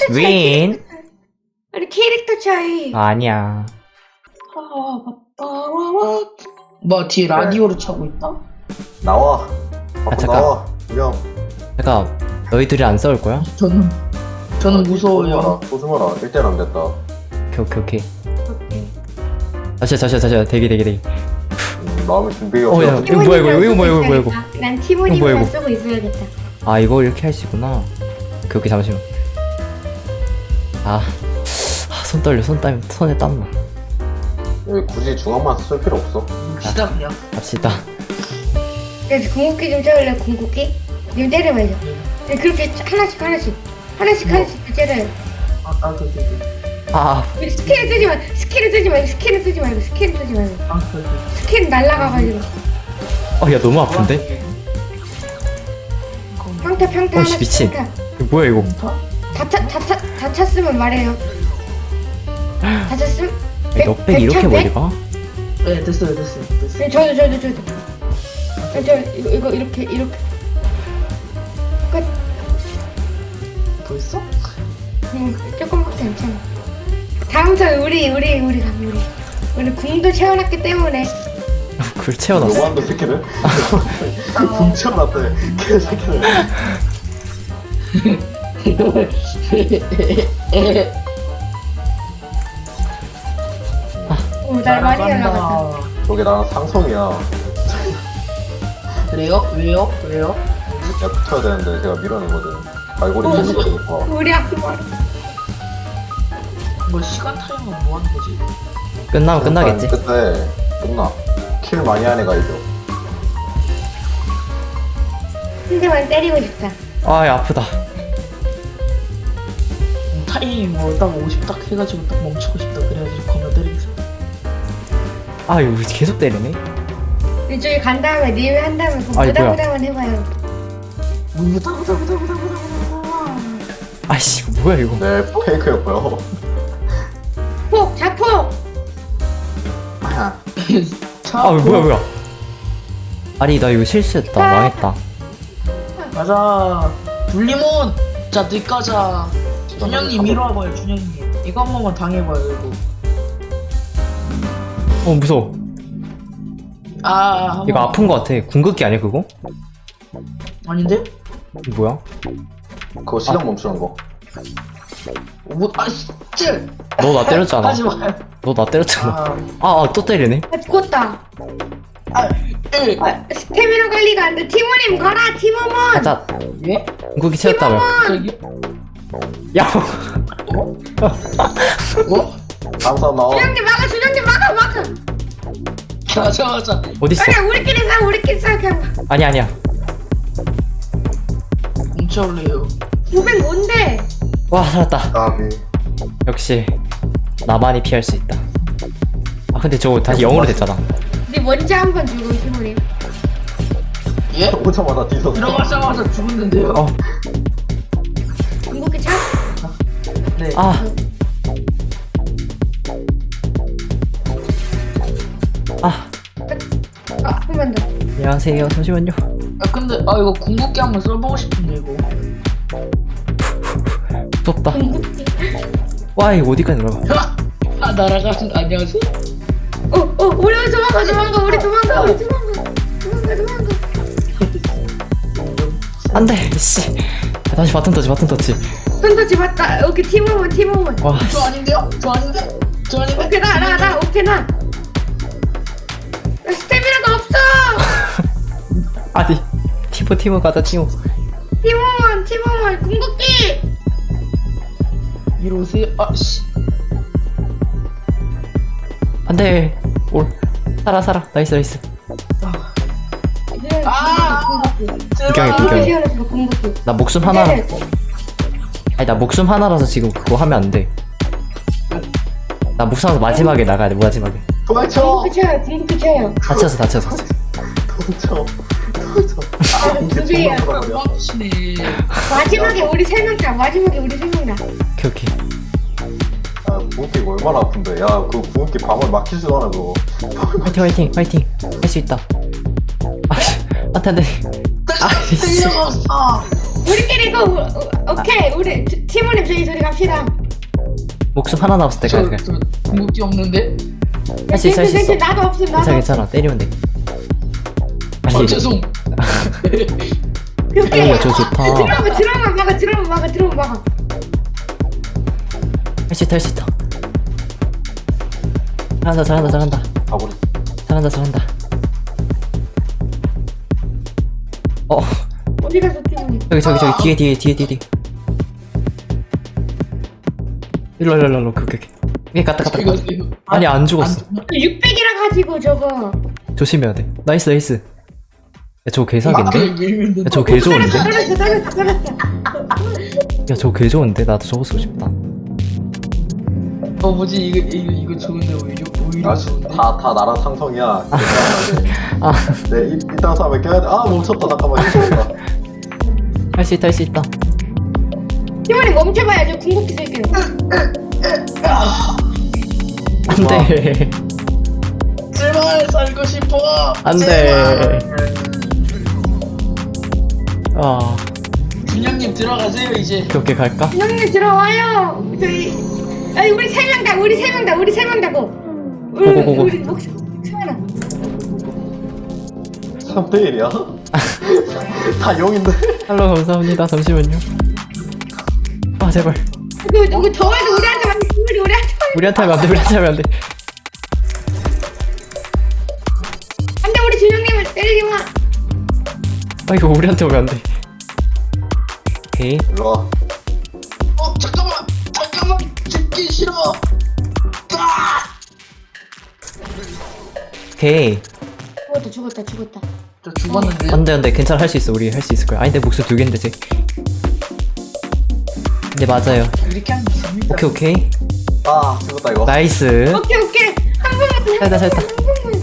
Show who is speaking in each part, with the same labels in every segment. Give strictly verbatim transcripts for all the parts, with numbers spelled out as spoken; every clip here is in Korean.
Speaker 1: 윈.
Speaker 2: 아니 캐릭터 차이.
Speaker 1: 아니야.
Speaker 3: 뭐 뒤에 라디오로 차고 있다?
Speaker 4: 나와. 밖으로
Speaker 1: 아, 잠깐.
Speaker 4: 나와. 형.
Speaker 1: 잠깐, 너희들이 안 싸울 거야?
Speaker 3: 저는 저는 무서워요.
Speaker 4: 소중하라. 일 대 안 됐다.
Speaker 1: 오케이 오케이 오케이. 다시 다시 다시 대기 대기 대기.
Speaker 4: 음, 마음의 준비가
Speaker 1: 어, 야.
Speaker 4: 없어.
Speaker 1: 이거 뭐야, 이거, 이거 뭐야, 이거 뭐야, 이거.
Speaker 2: 난
Speaker 1: 이거 뭐야,
Speaker 2: 티모님만
Speaker 1: 이거.
Speaker 2: 쓰고 있어야겠다.
Speaker 1: 아 이거 이렇게 할 수 있구나. 오케이 오케이 잠시만. 아, 아, 손 떨려 손 땀, 손에 땀나.
Speaker 4: 여기 굳이 중앙만 쓸 필요 없어.
Speaker 3: 시다 그냥.
Speaker 1: 갑시다.
Speaker 2: 그래서 궁극기 좀 채울래 궁극기? 님 때려봐야죠. 네, 그렇게 하나씩 하나씩 하나씩 하나씩 때려요.
Speaker 3: 아 나도 되게.
Speaker 1: 아,
Speaker 2: 우리 스킬을 쓰지 마. 스킬을 쓰지 말고 스킬을 쓰지 말고 스킬을 쓰지 말고
Speaker 3: 아 그래.
Speaker 2: 스킬 날라가가지고
Speaker 1: 어, 야 너무 아픈데?
Speaker 2: 평타 평타
Speaker 1: 어씨
Speaker 2: 하나씩
Speaker 1: 미친.
Speaker 2: 평타.
Speaker 1: 이거 뭐야 이거?
Speaker 2: 다차다차다 찼으면 말해요. 다 찼음?
Speaker 1: 야, 넉백 이렇게 멀리 가?
Speaker 3: 네 됐어요 됐어요 됐어요.
Speaker 2: 네, 저도 저도 저도. 아, 저 이거 이거 이렇게 이렇게 끝.
Speaker 3: 벌써?
Speaker 2: 응, 조금밖에 괜찮아. 다음 턴 우리 우리 우리 가 우리 우리 궁도 채워놨기 때문에
Speaker 1: 그걸 채워놨어.
Speaker 4: 너무한다 새끼들. 궁 채워놨대. 개새끼들.
Speaker 2: 오날 많이 올라갔다.
Speaker 4: 저게 나랑 상성이야.
Speaker 3: 그래요? 왜요? 왜요?
Speaker 4: 내가 붙어야 되는데 제가 밀어내거든. 갈고리 밀어내니까.
Speaker 2: 우리 아픈 거.
Speaker 3: 뭐 시간 타임은 뭐 하는 거지?
Speaker 1: 끝나면 끝나겠지.
Speaker 4: 그때 끝나. 킬 많이 한 애가 이겨.
Speaker 2: 한 대만 때리고 싶다.
Speaker 1: 아, 야 아프다.
Speaker 3: 음, 타임 뭐딱 오십 딱 해가지고 딱 멈추고 싶다 그래가지고 겁나 때리겠어.
Speaker 1: 아 이거 계속 때리네.
Speaker 2: 이쪽에 간 다음에 님이 한 다음에 그
Speaker 1: 아이, 뭐야.
Speaker 2: 부다부다만 해봐요.
Speaker 3: 무다무다무다무다무다.
Speaker 1: 아이씨 이거 뭐야 이거.
Speaker 4: 네, 페이크였고요.
Speaker 2: 폭 자폭.
Speaker 4: 아,
Speaker 1: 아 뭐야 뭐야. 아니 나 이거 실수했다. 망했다.
Speaker 3: 가자. 분리몬. 자 늦가자. 준영님 이리 와봐요 준영님. 이거 한 번만 당해봐요 이거.
Speaker 1: 어 무서워.
Speaker 3: 아 한
Speaker 1: 이거
Speaker 3: 번.
Speaker 1: 아픈 거 같아. 궁극기 아니야 그거?
Speaker 3: 아닌데?
Speaker 1: 이거 뭐야?
Speaker 4: 그거 시간 멈추는 거.
Speaker 3: 뭐 아씨 찔.
Speaker 1: 너 나 때렸잖아.
Speaker 3: 하지 마요.
Speaker 1: 너 나 때렸잖아.
Speaker 3: 아,
Speaker 1: 아 또 때리네.
Speaker 2: 아 죽었다.
Speaker 3: 아, 일.
Speaker 2: 아, 스태미나 관리가 안 돼. 티모님 가라 티모몬.
Speaker 1: 가자.
Speaker 3: 예?
Speaker 1: 궁극기 채웠다며.
Speaker 3: 저기.
Speaker 1: 야.
Speaker 3: 어?
Speaker 4: 항상 나와.
Speaker 2: 준영님 막아 준영님 막아 막아.
Speaker 3: 가자 가자.
Speaker 1: 어딨어?
Speaker 2: 아니야 우리끼리 가 우리끼리 싸 그냥.
Speaker 1: 아니 아니야.
Speaker 3: 뭉쳐올래요.
Speaker 2: 구백 뭔데?
Speaker 1: 와 살았다.
Speaker 4: 까비.
Speaker 1: 역시 나만이 피할 수 있다. 아 근데 저거 다시 영어로 됐잖아.
Speaker 2: 네 먼저 한번 주고 티모님.
Speaker 3: 예?
Speaker 4: 오자마자 뒤졌어.
Speaker 3: 들어가자마자 죽었는데요.
Speaker 1: 어.
Speaker 2: 궁극기 차?
Speaker 3: 네.
Speaker 1: 아. 아.
Speaker 2: 아, 한 번 더.
Speaker 1: 안녕하세요. 잠시만요.
Speaker 3: 아 근데 아 이거 궁극기 한번 써보고 싶은데 이거.
Speaker 1: 무섭다.
Speaker 2: 궁극기.
Speaker 1: 와 이거 어디까지 들어가?
Speaker 3: 아 날아가신 안녕하세요.
Speaker 2: 어, 어, 우리 도망가, 도망가, 우리 도망가, 우리 도망가, 도망가, 도망가.
Speaker 1: 안돼. 씨. 다시 바톤 터치 바톤 터치.
Speaker 2: 손터치 맞다. 오케이, 티모몬, 티모몬.
Speaker 1: 와.
Speaker 3: 저 아닌데요? 저 아닌데? 저 아닌데?
Speaker 2: 오케이, 나, 나, 나, 오케이, 나. 나 스태미나가 없어.
Speaker 1: 아니. 티모 티모 가자 티모.
Speaker 2: 티모몬, 티모몬, 궁극기.
Speaker 3: 이리 오세요. 아씨.
Speaker 1: 안돼. 올. 살아 살아. 나이스 나이스.
Speaker 3: 아!
Speaker 2: 궁극기.
Speaker 1: 구경해,
Speaker 3: 제발.
Speaker 1: 구경해.
Speaker 2: 시원해서 궁극기.
Speaker 1: 나 목숨 하나. 아니 나 목숨 하나라서 지금 그거 하면 안 돼. 나 목숨 하나 마지막에 나가야 돼. 마지막에.
Speaker 4: 도망쳐.
Speaker 2: 궁극기 쳐요, 궁극기 쳐요.
Speaker 1: 다쳐서 다쳐서.
Speaker 4: 도망쳐. 도망쳐.
Speaker 2: 아, 두 개야.
Speaker 3: 빡치네.
Speaker 2: 마지막에 우리 세 명다. 마지막에 우리 세 명다.
Speaker 1: 오케이 오케이.
Speaker 4: 아, 궁극기가 얼마나 아픈데. 야, 그 궁극기 방울 막히지도 않아, 그거.
Speaker 1: 화이팅 화이팅 화이팅. 할 수 있다. 아, 안돼 안돼. 아이씨.
Speaker 3: 쓸려가 없어.
Speaker 2: 우리끼리 이거 우- 우- 오케이 우리 티- 팀원님 저희 둘이 갑시다.
Speaker 1: 목숨 하나 남았을
Speaker 3: 저,
Speaker 1: 때까지 가.
Speaker 3: 저 궁극기 없는데?
Speaker 1: 할 수 있어, 할 수 있어.
Speaker 2: 나도 없음 나도
Speaker 1: 괜찮아,
Speaker 2: 없음.
Speaker 1: 괜찮아. 때리면 돼.
Speaker 3: 아
Speaker 1: 아니,
Speaker 3: 죄송.
Speaker 2: 오케이.
Speaker 1: 오, 저 좋다.
Speaker 2: 들어오면 들어오면 막아 들어오면 막아 들어오면 막아.
Speaker 1: 할 수 있다, 할 수 있다. 잘한다, 잘한다, 잘한다.
Speaker 4: 가버리.
Speaker 1: 잘한다, 잘한다. 어,
Speaker 2: 어디 가서 팀원님?
Speaker 1: 저기, 저기, 저기, 뒤에, 뒤에, 뒤에, 뒤에, 뒤에. 일로, 일로, 일로, 일로. 그렇게, 그렇게. 이게 갔다, 갔다, 갔다.
Speaker 3: 이거
Speaker 1: 아니, 안 죽었어.
Speaker 2: 육백이라 가지고 저거.
Speaker 1: 조심해야 돼. 나이스, 나이스. 야, 저거 개사기인데?
Speaker 3: 밀면
Speaker 1: 야, 저거 개 좋은데?
Speaker 2: 떨어졌어 떨어졌어 떨어졌어.
Speaker 1: 야, 저거 개 좋은데? 나도 저거 쓰고 싶다.
Speaker 3: 어 뭐지 이거 이거 이거 좋은데 오히려 오히려 좋은데.
Speaker 4: 아다다 나라 상성이야.
Speaker 1: 아,
Speaker 4: 네 이- 이딴 싸움에 껴야 돼. 아 멈췄다 잠깐만. 힘들다.
Speaker 1: 할 수 있다, 할 수 있다.
Speaker 2: 팀원님 멈춰봐요. 저 궁극기 쓸게요.
Speaker 1: 안 돼.
Speaker 3: 제발 살고 싶어.
Speaker 1: 안 돼. 아,
Speaker 3: 준영님 들어가세요 이제.
Speaker 1: 그렇게 갈까?
Speaker 2: 형님 들어와요. 저희 아니 우리 세 명 다 우리 세 명 다 우리 세 명 다고. 우리
Speaker 1: 고고고고.
Speaker 2: 우리 목숨 하나.
Speaker 4: 삼 대 일이야? 다 용인데.
Speaker 1: 할로, 감사합니다. 잠시만요. 아, 제발.
Speaker 2: 누구 누구 더워도 우리한테 만 우리 우리한테
Speaker 1: 우리한테 하면 안 돼, 우리한테 하면 안 돼.
Speaker 2: 안돼 우리 준영님을 때리지 마.
Speaker 1: 아, 이거 우리한테 오면 안 돼. 오케이.
Speaker 4: 일로 와.
Speaker 3: 어 잠깐만 잠깐만 죽기 싫어. 아!
Speaker 1: 오케이.
Speaker 2: 죽었다 죽었다 죽었다.
Speaker 3: 저 죽었는데.
Speaker 1: 안 돼, 안 돼. 괜찮아. 할 수 있어. 우리 할 수 있을 거야. 아니, 내 목숨 두 개인데, 쟤. 네, 맞아요.
Speaker 3: 이렇게 하면 됩니다.
Speaker 1: 오케이, 오케이.
Speaker 4: 아 죽었다 이거.
Speaker 1: 나이스.
Speaker 2: 오케이 오케이 한 번만 더,
Speaker 1: 잘했다,
Speaker 2: 한
Speaker 1: 잘했다.
Speaker 2: 번만.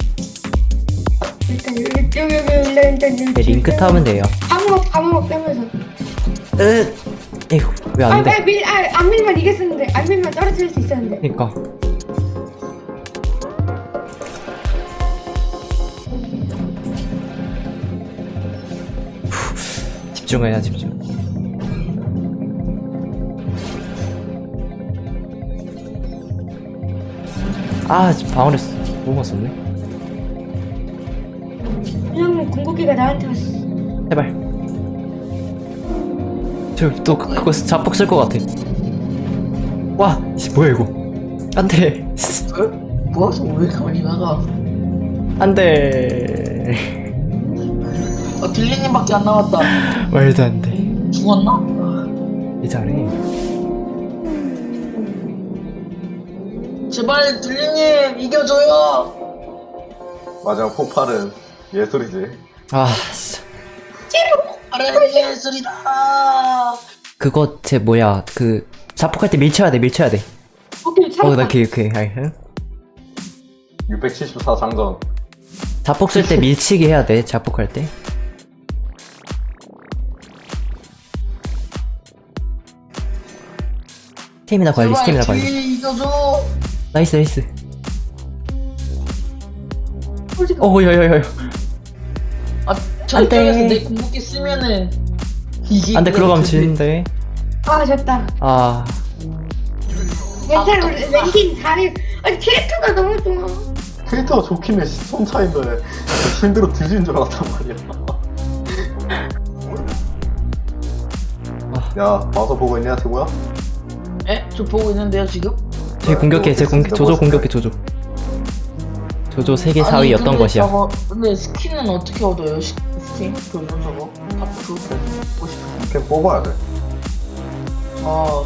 Speaker 2: 일단 여기 여기 여기 일단 일단 여기
Speaker 1: 네, 링크 타면 돼요.
Speaker 2: 방어 방어 빼면서.
Speaker 1: 으, 에휴, 왜 안 돼?
Speaker 2: 아밀안 밀면 이겼었는데 안 밀면 떨어질 수 있었는데.
Speaker 1: 그니까. 후, 집중해야 집중. 아, 지금 방어를 쓰- 뭐가 썼네?
Speaker 2: 준영님 궁극기가 나한테 왔어.
Speaker 1: 제발. 저또 그, 그거 자폭 쓸 것 같아. 와, 씨, 뭐야 이거? 안 돼.
Speaker 3: 어? 뭐하서 왜 이렇게 많이 나가?
Speaker 1: 안 돼.
Speaker 3: 아 딜리님밖에 안 남았다.
Speaker 1: 말도 안 돼.
Speaker 3: 죽었나?
Speaker 1: 이 잘해.
Speaker 3: 제발 딜리님 이겨줘요.
Speaker 4: 마지막 폭발은 예술이지.
Speaker 1: 아, 진짜.
Speaker 3: 아래 예술이다.
Speaker 1: 그거 제 뭐야 그 자폭할 때 밀쳐야 돼, 밀쳐야 돼.
Speaker 2: 오케이
Speaker 1: 어,
Speaker 2: 살았다.
Speaker 1: 나 오케이 오케이. 아이, 응?
Speaker 4: 육백칠십사 장전.
Speaker 1: 자폭 쓸 때 밀치기 해야 돼. 자폭할 때. 스태미나 관리, 스태미나
Speaker 3: 제발
Speaker 1: 관리.
Speaker 3: 딜리 이겨줘.
Speaker 1: 나이스, 나이스.
Speaker 2: 솔직히
Speaker 1: 어, 야야야.
Speaker 3: 아
Speaker 1: 안 돼.
Speaker 3: 저쪽에서 내 궁극기 쓰면은 이게.
Speaker 1: 안돼, 그러가면 지는데.
Speaker 2: 아 졌다.
Speaker 1: 아,
Speaker 2: 괜찮아 우리 랭킹 사 위. 아니 캐릭터가 너무 좋아.
Speaker 4: 캐릭터가 좋긴 해. 손 차인데 힘들어 뒤진 줄 알았단 말이야. 야 와서 보고 있냐 태구야?
Speaker 3: 에? 저 보고 있는데요 지금?
Speaker 1: 제 공격해, 제 공격, 조조 공격해, 조조. 조조 세계 사 위였던
Speaker 3: 근데
Speaker 1: 것이야.
Speaker 3: 저거, 근데 스킨은 어떻게 얻어요? 시, 스킨? 조조 저거? 파프? 보고 싶어.
Speaker 4: 걔 뽑아야 돼.
Speaker 3: 아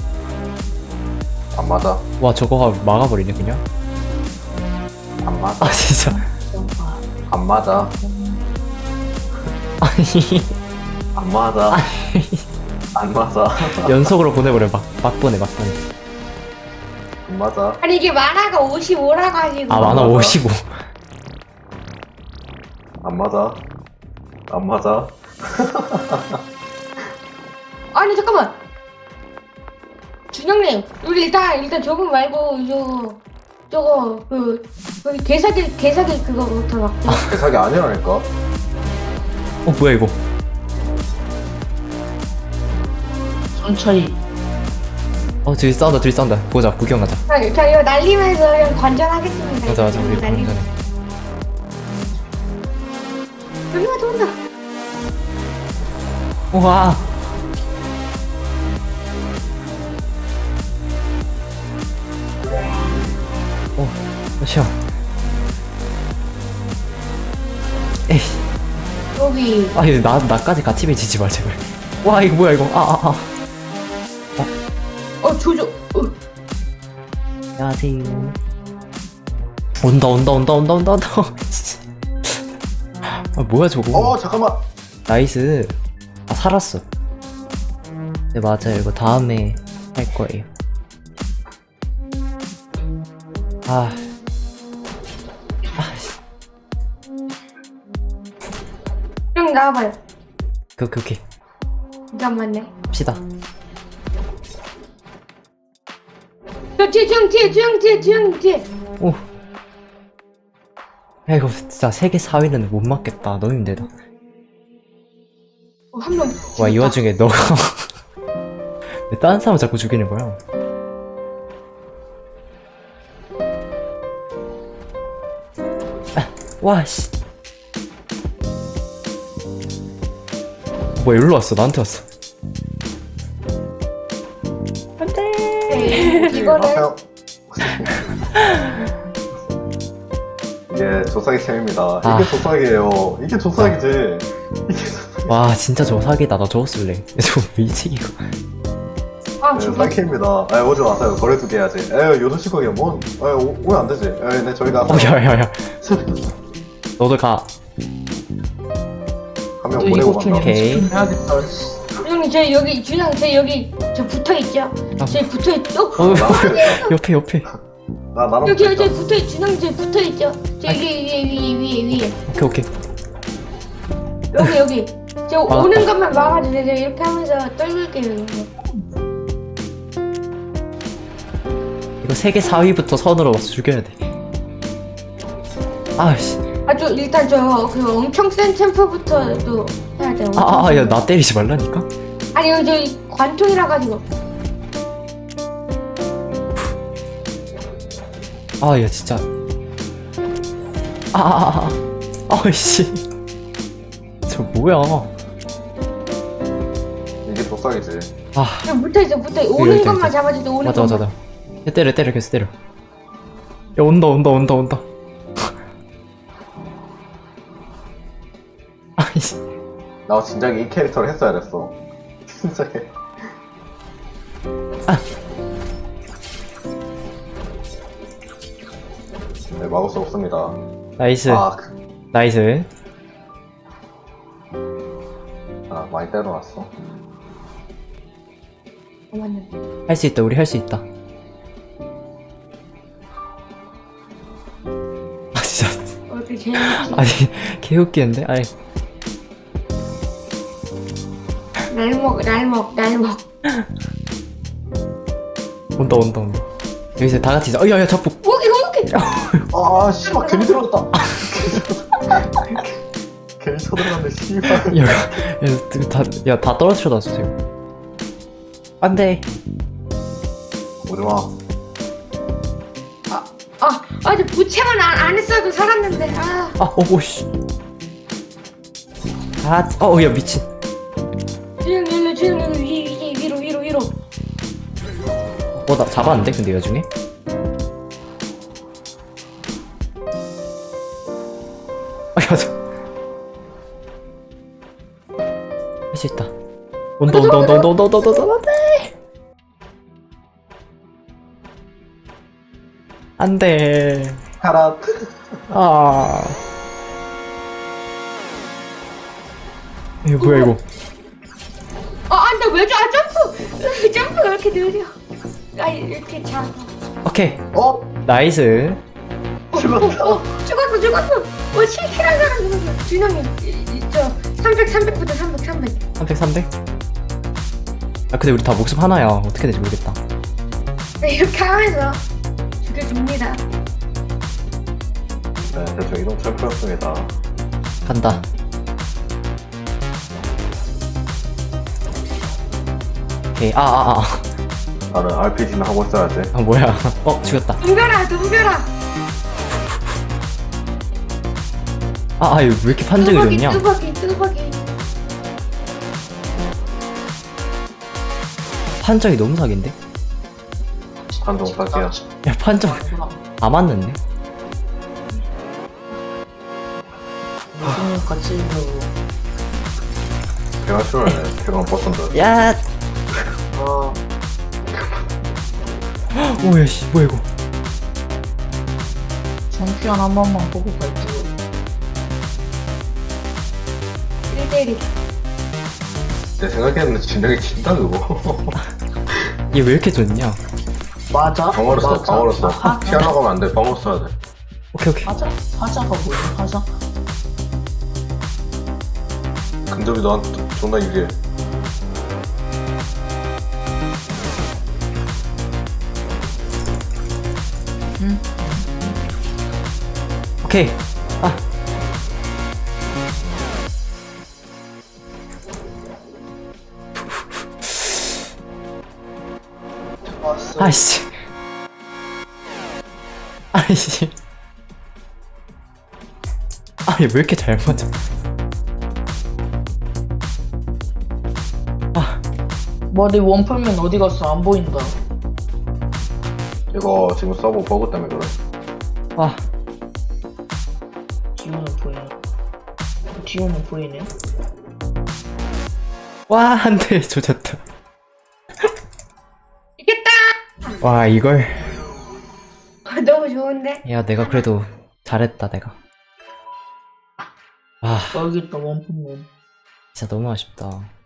Speaker 4: 안 맞아.
Speaker 1: 와, 저거 막아버리네 그냥.
Speaker 4: 안 맞아.
Speaker 1: 아, 진짜.
Speaker 4: 안 맞아.
Speaker 1: 아니,
Speaker 4: 안 맞아. 안 맞아.
Speaker 1: 연속으로 보내버려. 막, 막 보내, 막 보내.
Speaker 4: 안 맞아.
Speaker 2: 아니 이게 만화가 오십오라 가지고.
Speaker 1: 아, 만화 오십오.
Speaker 4: 안 맞아. 안 맞아.
Speaker 2: 아니 잠깐만. 준영님 우리 일단 일단 저거 말고 저거 저거 그 거기 개사기 개사기 그거부터 막.
Speaker 4: 자기 아니라니까.
Speaker 1: 어, 뭐야 이거?
Speaker 3: 손 차이.
Speaker 1: 어 둘이 싸운다 둘이 싸운다. 보자 구경 가자.
Speaker 2: 자, 자 이거 날리면서 그냥 관전하겠습니다.
Speaker 1: 맞아 맞아 우리 방금
Speaker 2: 날리면.
Speaker 1: 전에.
Speaker 2: 여기가 돈다.
Speaker 1: 우와. 어 쉬어. 에이.
Speaker 2: 여기.
Speaker 1: 아 이거 나 나까지 같이 배치지 말 제발. 와 이거 뭐야 이거. 아아 아.
Speaker 2: 어 조조. 어.
Speaker 1: 안녕하세요. 온다 온다 온다 온다 온다 온다. 아 뭐야 저거.
Speaker 4: 어 잠깐만.
Speaker 1: 나이스. 아 살았어. 네 맞아요. 이거 다음에 할 거예요. 아. 아. 씨.
Speaker 2: 형 나와봐요.
Speaker 1: 그 오케이 오케이.
Speaker 2: 잠깐만요.
Speaker 1: 합시다.
Speaker 2: 저 뒤에 주영 뒤에 주영 뒤에 주영 뒤에.
Speaker 1: 오. 야 이거 진짜 세계 사 위는 못 맞겠다. 너무 힘들다.
Speaker 2: 어, 한 명.
Speaker 1: 와 이 와중에 너가 왜 다른 사람 자꾸 죽이는 거야? 아, 와 씨. 뭐야 일로 왔어? 나한테 왔어.
Speaker 2: 네, 이거를
Speaker 4: 안녕하세요. 이게 조사기 챔입니다.
Speaker 1: 아.
Speaker 4: 이게 조사기예요. 이게 조사기지. 이게 조사기.
Speaker 1: 와 진짜 저 사기다. 나 저거 쓸래. 저 미치기고.
Speaker 2: 아
Speaker 4: 네,
Speaker 2: 죽었어.
Speaker 4: 사기입니다. 에 오지 마세요. 거래 두개 해야지. 에 요즘 시국에 뭔? 에 오- 오면 안 되지. 에 네 저희가
Speaker 1: 어 야야야. 너도 가.
Speaker 4: 한 명
Speaker 3: 또
Speaker 4: 보내고
Speaker 3: 이거 좀
Speaker 4: 간다.
Speaker 1: 오케이.
Speaker 3: 연습 좀 해야겠다.
Speaker 2: 형님 저 여기 준영 저 여기 저 붙어 있죠?
Speaker 1: 아.
Speaker 2: 저 붙어 있죠?
Speaker 1: 어 옆에 옆에.
Speaker 4: 나 나랑
Speaker 2: 여기
Speaker 4: 붙어
Speaker 2: 저
Speaker 4: 있다.
Speaker 2: 붙어 있 준영 저 붙어 있죠? 저
Speaker 1: 아.
Speaker 2: 위에 위에 위에 위에 위에
Speaker 1: 오케이 오케이.
Speaker 2: 여기 여기 저
Speaker 1: 아.
Speaker 2: 오는 것만 막아주세요. 저 이렇게 하면서 떨굴게요. 이거.
Speaker 1: 이거 세계 사 위부터 선으로 와서 죽여야 돼. 아씨.
Speaker 2: 아저 일단 저 그 엄청 센 챔프부터 또 해야 돼요.
Speaker 1: 아아 야 나 때리지 말라니까.
Speaker 2: 아니 여기 저 관통이라 가지고.
Speaker 1: 아 야 진짜. 아아아. 아이씨. 저 뭐야?
Speaker 4: 이게 조사기지.
Speaker 1: 아
Speaker 2: 저 붙어 있어 붙어 있어.
Speaker 1: 여기,
Speaker 2: 오는
Speaker 1: 여기,
Speaker 2: 것만
Speaker 1: 여기.
Speaker 2: 잡아주세요. 오는
Speaker 1: 맞아 맞아
Speaker 2: 것만.
Speaker 1: 맞아. 야, 때려 때려 계속 때려. 야 온다 온다 온다 온다. 아이씨.
Speaker 4: 나 진작에 이 캐릭터를 했어야 됐어. 진작에. 네 막을 수 없습니다.
Speaker 1: 나이스
Speaker 4: 아, 그,
Speaker 1: 나이스.
Speaker 4: 아 많이 때려놨어.
Speaker 2: 잠깐만요.
Speaker 1: 할 수 있다. 우리 할 수 있다. 아 진짜.
Speaker 2: 어떻게 제일
Speaker 1: 아니 개웃기는데. 아이.
Speaker 2: 날먹 날먹 날먹.
Speaker 1: 온다 온다 온다. 여기서 다 같이. 어 야야 자꾸.
Speaker 2: 오기 오기.
Speaker 4: 아 씨발 괜히 들어갔다. 괜히 쳐들어갔네 씨발.
Speaker 1: 야야다야 떨어뜨려 놨어 지금. 안돼.
Speaker 4: 오지마.
Speaker 2: 아, 아, 저 부채만 안, 안 했어도 살았는데. 아,
Speaker 1: 아 오씨. 아어야 미친.
Speaker 2: 주영 일로 주영 일로 위, 위, 위로 위로 위로.
Speaker 1: 어 나 잡았는데 근데 이 와중에. 아 야. 할 수 있다. 온다 온다 온다 온다 온다 온다 온다 온다. 안돼.
Speaker 4: 카라.
Speaker 1: 아. 이거 뭐야 이거?
Speaker 2: 아, 안돼 왜 저, 아, 점프, 점프가 왜 이렇게 느려? 아, 이렇게 자.
Speaker 1: 오케이
Speaker 4: 어?
Speaker 1: 나이스.
Speaker 4: 죽었다.
Speaker 2: 어, 죽었어, 죽었어. 어, 실킬한 사람 죽었어. 준영이, 이- 이- 저 삼백, 삼백부터 삼백, 삼백.
Speaker 1: 삼백 삼백. 아 근데 우리 다 목숨 하나야. 어떻게 될지 모르겠다.
Speaker 2: 이렇게 하면서 죽여줍니다.
Speaker 4: 네 대충 이동 챔프였습니다.
Speaker 1: 간다. 오케이. 아, 아, 아.
Speaker 4: 나는 알피지는 하고 있어야 돼.
Speaker 1: 아, 뭐야. 어, 죽였다.
Speaker 2: 덤벼라 덤벼라.
Speaker 1: 아, 아, 이거 왜 이렇게 판정이
Speaker 2: 뚜벅이
Speaker 1: 좋냐?
Speaker 2: 뚜벅이 뚜벅이.
Speaker 1: 판정이 너무 사기인데?
Speaker 4: 한동 사기야.
Speaker 1: 야, 판정 다 맞는데?
Speaker 3: 무슨 같이 있는
Speaker 4: 배가 싫어하네. 배가 버튼다.
Speaker 1: 야!
Speaker 3: 거.
Speaker 1: 오야, 씨, 뭐야, 이거.
Speaker 3: 챔피언 한 번만 보고 갈게요.
Speaker 2: 일 대일.
Speaker 4: 내 생각에는 진작에 진다 그거.
Speaker 1: 얘 왜 이렇게 좋냐?
Speaker 3: 맞아?
Speaker 4: 방어로 써.
Speaker 3: 맞아.
Speaker 4: 방어로 써.
Speaker 3: 하-
Speaker 4: 피하러 가면 안 돼. 방어 써야 돼.
Speaker 1: 오케이, 오케이.
Speaker 3: 하자? 하자가 뭐야? 하자?
Speaker 4: 근접이 너한테 존나 유리해.
Speaker 3: 응?
Speaker 1: 오케이. 아,
Speaker 3: 좋았어.
Speaker 1: 아이씨. 아이씨. 아, 얘 왜 이렇게 잘 맞아? 아,
Speaker 3: 머리 원풀면 어디 갔어? 안 보인다.
Speaker 4: 이거 지금 서버 버그 때문에 그래.
Speaker 1: 아,
Speaker 3: 디오는 보이네. 디오는 보이네.
Speaker 1: 와, 한 대 조졌다.
Speaker 2: 이겼다.
Speaker 1: 와, 이걸.
Speaker 2: 너무 좋은데.
Speaker 1: 야, 내가 그래도 잘했다, 내가. 아,
Speaker 3: 여기 있다 원풀면.
Speaker 1: 진짜 너무 아쉽다.